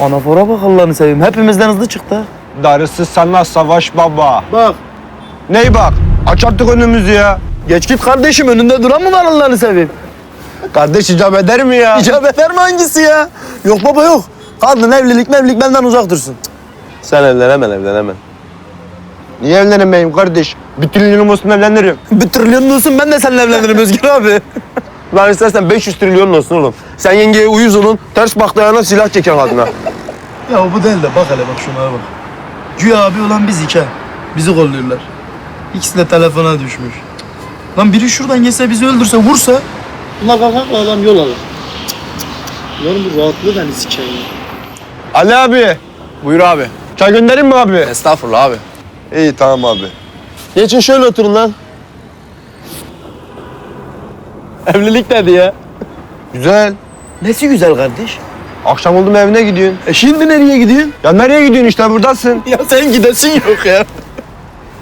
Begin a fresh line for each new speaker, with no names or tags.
Anafora bak Allah'ını seveyim. Hepimizden hızlı çıktı.
Darısı sana Savaş Baba.
Bak.
Ney bak? Aç artık önümüzü ya.
Geç git kardeşim, önünde duran mı var Allah'ını seveyim?
Kardeş icap eder mi ya?
İcap eder mi hangisi ya? Yok baba yok. Kadın evlilik benden uzak dursun.
Sen evlenemen.
Niye evlenemeyim kardeş? Bir trilyonum olsun evlenirim.
Bir trilyon olsun, ben de seninle evlenirim Özgür abi.
Lan istersen 500 trilyon olsun oğlum. Sen yengeye uyuz olun, ters baktığına silah çeken kadına.
Ya bu değil de bak hele bak şunlara bak. Güya abi olan biz iki. Bizi kolluyorlar. İkisi de telefona düşmüş. Lan biri şuradan gelse bizi öldürse, vursa. Bunlar kalkakla adam yol alır. Bunların bu rahatlığı beni sikeyim.
Ali abi.
Buyur abi.
Çay göndereyim mi abi?
Estağfurullah abi.
İyi tamam abi.
Geçin şöyle oturun lan. Evlilik dedi ya.
Güzel.
Nesi güzel kardeş?
Akşam oldu mu evine gidiyorsun?
Şimdi nereye gidiyorsun?
Ya nereye gidiyorsun işte buradasın.
Ya sen gidesin yok ya.